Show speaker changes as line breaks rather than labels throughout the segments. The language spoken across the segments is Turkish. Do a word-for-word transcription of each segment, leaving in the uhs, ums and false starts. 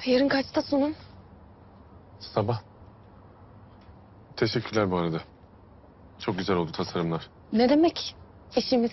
Yarın kaçta sunum?
Sabah. Teşekkürler bu arada. Çok güzel oldu tasarımlar.
Ne demek? İşimiz.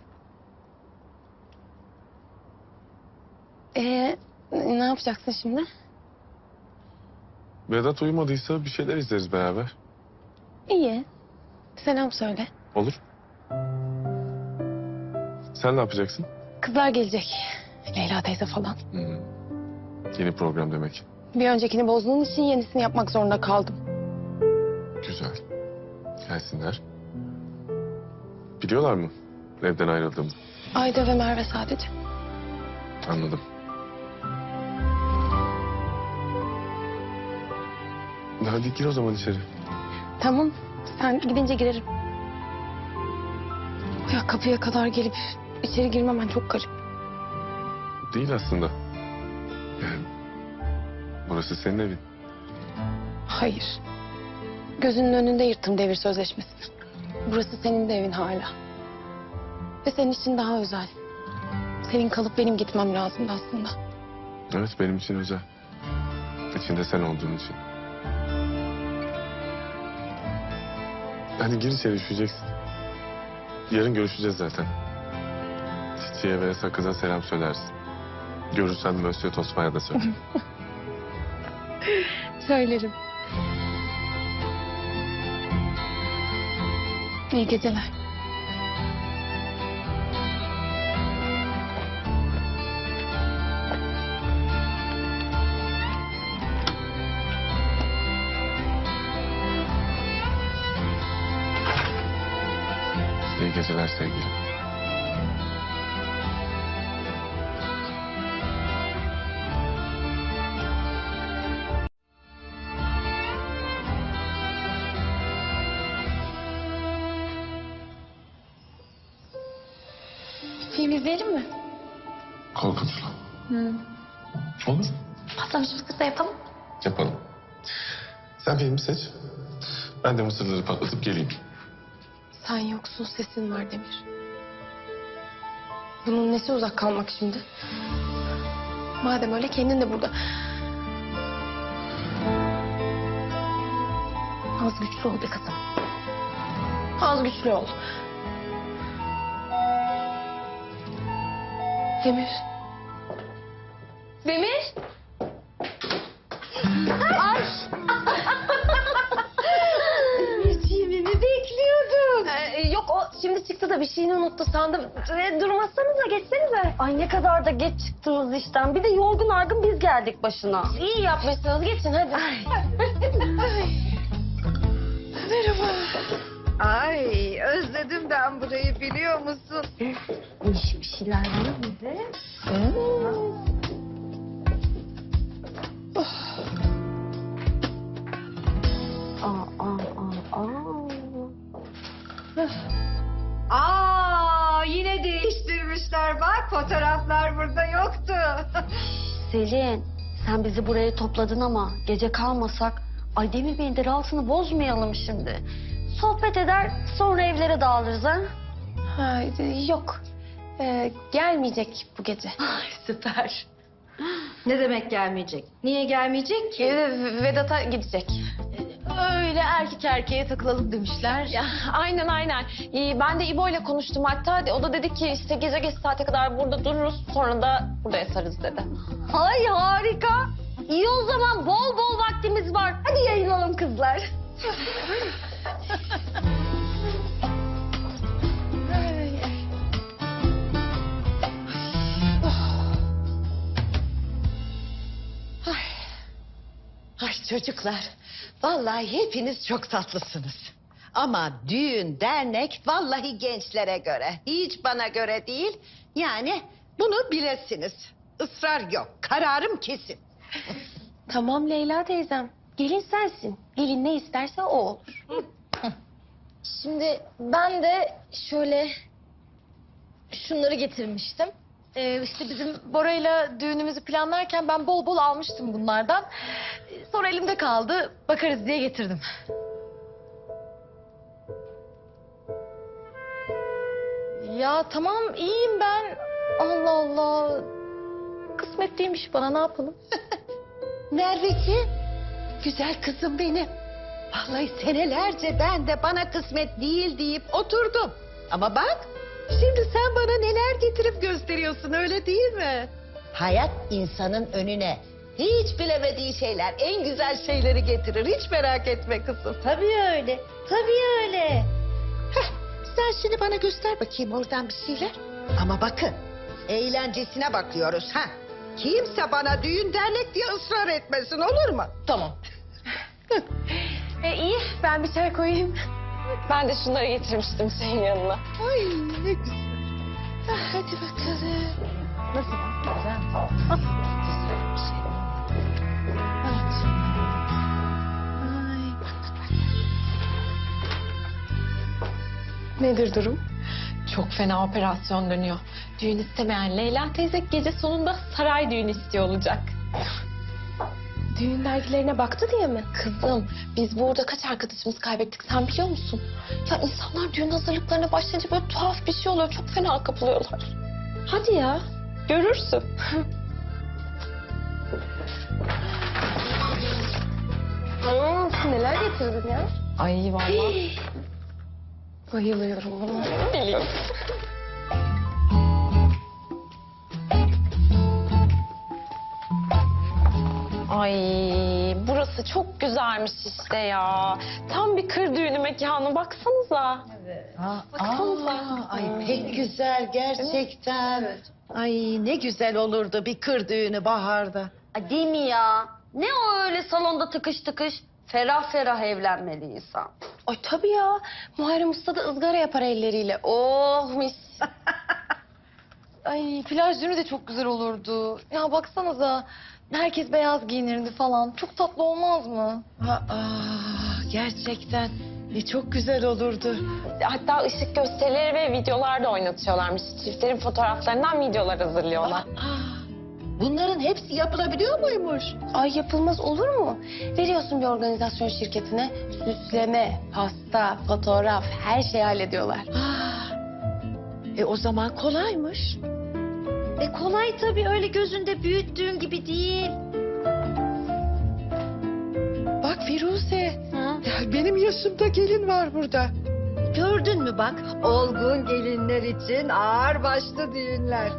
Ee, ne yapacaksın şimdi?
Vedat uyumadıysa bir şeyler izleriz beraber.
İyi. Selam söyle.
Olur. Sen ne yapacaksın?
Kızlar gelecek. Leyla teyze falan.
Hmm. Yeni program demek.
Bir öncekini bozduğun için yenisini yapmak zorunda kaldım.
Güzel. Gelsinler. Biliyorlar mı evden ayrıldığımı?
Ayda ve Merve sadece.
Anladım. Hadi gir o zaman içeri.
Tamam. Sen gidince girerim. Ya kapıya kadar gelip içeri girmemen çok garip.
Değil aslında. Yani burası senin evin.
Hayır. Gözünün önünde yırttım devir sözleşmesini. Burası senin de evin hala. Ve senin için daha özel. Senin kalıp benim gitmem lazımdı aslında.
Evet, benim için özel. İçinde sen olduğun için. Hadi gir içeri, üşüyeceksin. Yarın görüşeceğiz zaten. Çiçeğe ve Sakız'a selam söylersin. Görürsen Mösyö Tosma'ya da söyle.
Söylerim. İyi geceler.
İyi geceler sevgilim.
Film izleyelim mi?
Korkunçlu.
Hı.
Olur.
Patlamış mısır da yapalım.
Yapalım. Sen filmi seç. Ben de mısırları patlatıp geleyim.
Sen yoksun, sesin var Demir. Bunun nesi uzak kalmak şimdi? Madem öyle kendin de burada. Az güçlü ol be kızım. Az güçlü ol. Demir. Demir. Ay.
Demirciğimi mi bekliyordun?
Ee, yok o şimdi çıktı da bir şeyini unuttu sandım. Ee, durmazsanıza geçsenize.
Ay ne kadar da geç çıktınız işten. Bir de yorgun argın biz geldik başına.
İyi yapmışsınız geçin hadi. Merhaba.
Ay özledim ben burayı biliyor musun?
İş bir şeyler var mı bize? Aa, aa, aa, aa.
Aa yine değiştirmişler bak fotoğraflar burada yoktu.
Selin, sen bizi buraya topladın ama gece kalmasak Ay Demir Bey'in de rahatını bozmayalım şimdi. Sohbet eder sonra evlere dağılırız ha?
Ha, yok. Ee, gelmeyecek bu gece.
Ay süper.
Ne demek gelmeyecek? Niye gelmeyecek ki?
Ee, Vedat'a gidecek.
Öyle erkek erkeğe takılalım demişler.
Ya, aynen aynen. Ee, ben de İbo ile konuştum hatta. O da dedi ki işte gece geç saate kadar burada dururuz. Sonra da burada yatarız dedi.
Ay harika. İyi o zaman bol bol vaktimiz var. Hadi yayılalım kızlar.
Ay çocuklar, vallahi hepiniz çok tatlısınız. Ama düğün, dernek vallahi gençlere göre. Hiç bana göre değil. Yani bunu bilesiniz. Israr yok, kararım kesin.
Tamam Leyla teyzem. Gelin sensin. Gelin ne isterse o olur.
Şimdi ben de şöyle şunları getirmiştim.
Ee, işte bizim Bora'yla düğünümüzü planlarken ben bol bol almıştım bunlardan. Ee, Sonra elimde kaldı, bakarız diye getirdim. Ya tamam iyiyim ben. Allah Allah. Kısmet değilmiş bana, ne yapalım? Merveciğim, güzel kızım benim. Vallahi senelerce ben de bana kısmet değil deyip oturdum. Ama bak, şimdi sen bana neler getirip gösteriyorsun, öyle değil mi? Hayat insanın önüne hiç bilemediği şeyler, en güzel şeyleri getirir. Hiç merak etme kızım. Tabii öyle, tabii öyle. Heh, sen şimdi bana göster bakayım oradan bir şeyler. Ama bakın, eğlencesine bakıyoruz ha. Kimse bana düğün dernek diye ısrar etmesin, olur mu?
Tamam. e, iyi ben bir çay koyayım. Ben de şunları getirmiştim senin yanına.
Ay ne güzel. Ah, hadi bakalım. Nasıl bak, güzel. Ah, güzel bir şey. Evet. Ay, bak, bak.
Nedir durum? Çok fena operasyon dönüyor. Düğün istemeyen Leyla teyze gece sonunda saray düğünü istiyor olacak. Düğün dergilerine baktı diye mi? Kızım biz burada kaç arkadaşımız kaybettik sen biliyor musun? Ya insanlar düğün hazırlıklarına başlayınca böyle tuhaf bir şey oluyor. Çok fena kapılıyorlar. Hadi ya görürsün. hmm, neler getirdin ya? Ay vallahi. Bayılıyorum buna. Biliyorum. Ay burası çok güzelmiş işte ya. Tam bir kır düğünü mekanı baksanıza.
Aa,
Baksanıza.
aa, ay pek güzel gerçekten. Ay ne güzel olurdu bir kır düğünü baharda.
Ay değil mi ya? Ne o öyle salonda tıkış tıkış? Ferah ferah evlenmeli insan.
Ay tabii ya. Muharrem Usta da ızgara yapar elleriyle. Oh mis. Ay plaj düğünü de çok güzel olurdu. Ya baksanıza. Herkes beyaz giyinirdi falan. Çok tatlı olmaz mı?
Aa, gerçekten e, çok güzel olurdu.
Hatta ışık gösterileri ve videolar da oynatıyorlarmış. Çiftlerin fotoğraflarından videolar hazırlıyorlar.
Aa, bunların hepsi yapılabiliyor muymuş?
Ay yapılmaz olur mu? Veriyorsun bir organizasyon şirketine. Süsleme, pasta, fotoğraf her şeyi hallediyorlar.
Aa, e o zaman kolaymış.
E kolay tabii öyle gözünde büyüttüğün gibi değil.
Bak Firuze,
Hı?
ya benim yaşımda gelin var burada. Gördün mü bak, olgun gelinler için ağır başlı düğünler.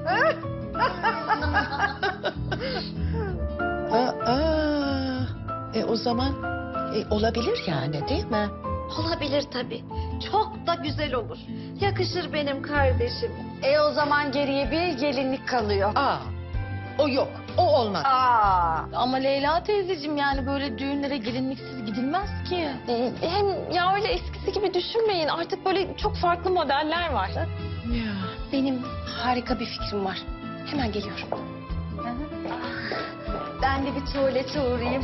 Aa, e o zaman e, olabilir yani değil mi?
Olabilir tabii. Çok da güzel olur. Yakışır benim kardeşim. E o zaman geriye bir gelinlik kalıyor.
Aa, o yok, o olmaz.
Aa.
Ama Leyla teyzeciğim yani böyle düğünlere gelinliksiz gidilmez ki. Hem ya öyle eskisi gibi düşünmeyin. Artık böyle çok farklı modeller var.
Ya.
Benim harika bir fikrim var. Hemen geliyorum.
Ben de bir tuvalete uğrayayım.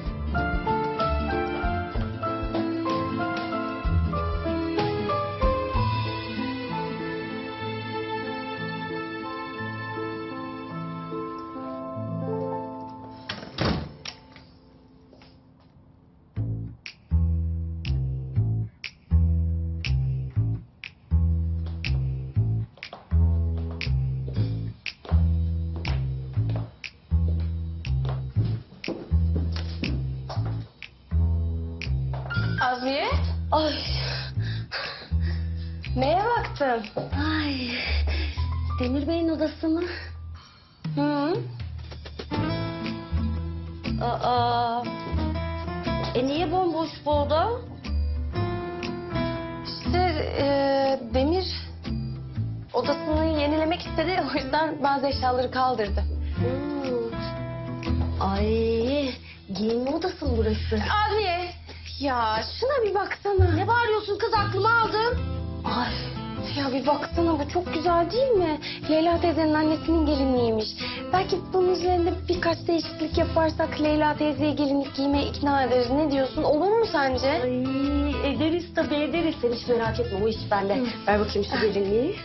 Azmiye,
Ay.
neye baktın?
Ay. Demir Bey'in odası mı?
Hı?
Aa. E niye bomboş bu oda?
İşte e, Demir odasını yenilemek istedi. O yüzden bazı eşyaları kaldırdı.
Hmm. Ay. Giyinme odası mı burası?
Azmiye, ya şuna bir baksana.
Ne bağırıyorsun kız, aklımı aldın.
Ay, ya bir baksana bu çok güzel değil mi? Leyla teyzenin annesinin gelinliğiymiş. Belki bunun üzerinde birkaç değişiklik yaparsak Leyla teyzeyi gelinlik giymeye ikna ederiz. Ne diyorsun? Olur mu sence?
Ay ederiz tabii ederiz. Sen hiç merak etme, o iş bende. Ver bakayım şu gelinliği.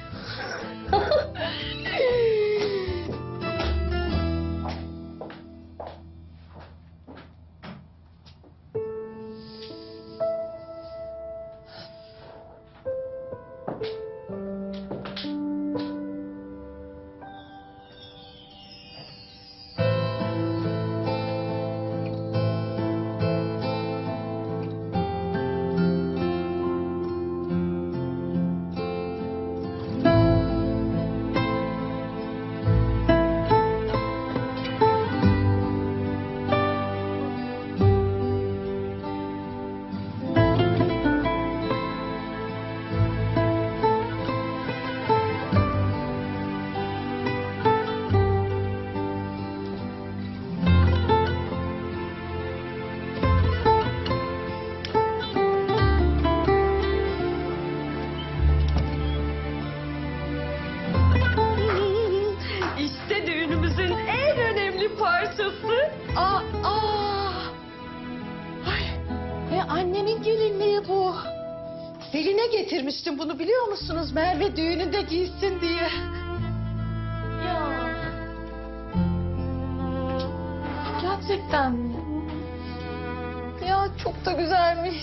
annemin gelinliği bu. Selin'e getirmiştim bunu biliyor musunuz? Merve düğününde giysin diye.
Ya. Gerçekten mi? Ya çok da güzelmiş.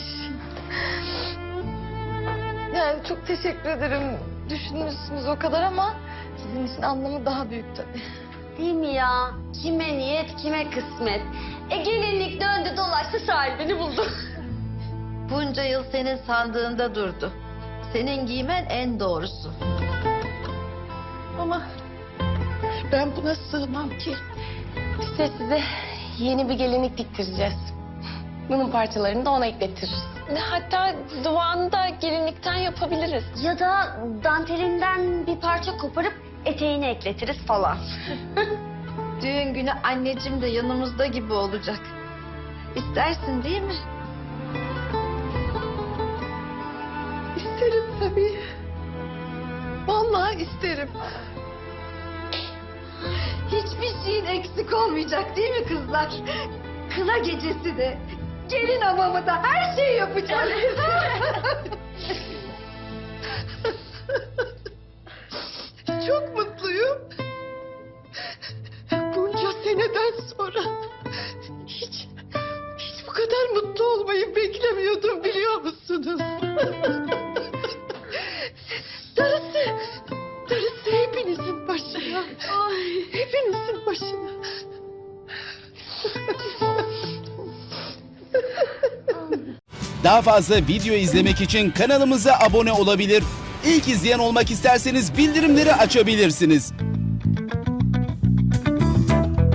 Yani çok teşekkür ederim. Düşünmüşsünüz o kadar ama sizin için anlamı daha büyük tabii.
Değil mi ya? Kime niyet, kime kısmet. E gelinlik döndü dolaştı sahibini buldu.
Bunca yıl senin sandığında durdu. Senin giymen en doğrusu. Ama ben buna sığmam ki.
Biz de size yeni bir gelinlik diktireceğiz. Bunun parçalarını da ona eklettiririz. Hatta duvağını da gelinlikten yapabiliriz.
Ya da dantelinden bir parça koparıp eteğini ekletiriz falan.
Düğün günü anneciğim de yanımızda gibi olacak. İstersin değil mi? İsterim tabii. Vallahi isterim.
Hiçbir şeyin eksik olmayacak değil mi kızlar? Kına gecesi de, gelin hamamı da her şeyi yapacağız.
Çok mutluyum. Bunca seneden sonra hiç hiç bu kadar mutlu olmayı beklemiyordum biliyor musunuz? Darısı, darısı hepinizin başına. Ay, hepinizin başına.
Daha fazla video izlemek için kanalımıza abone olabilir. İlk izleyen olmak isterseniz bildirimleri açabilirsiniz.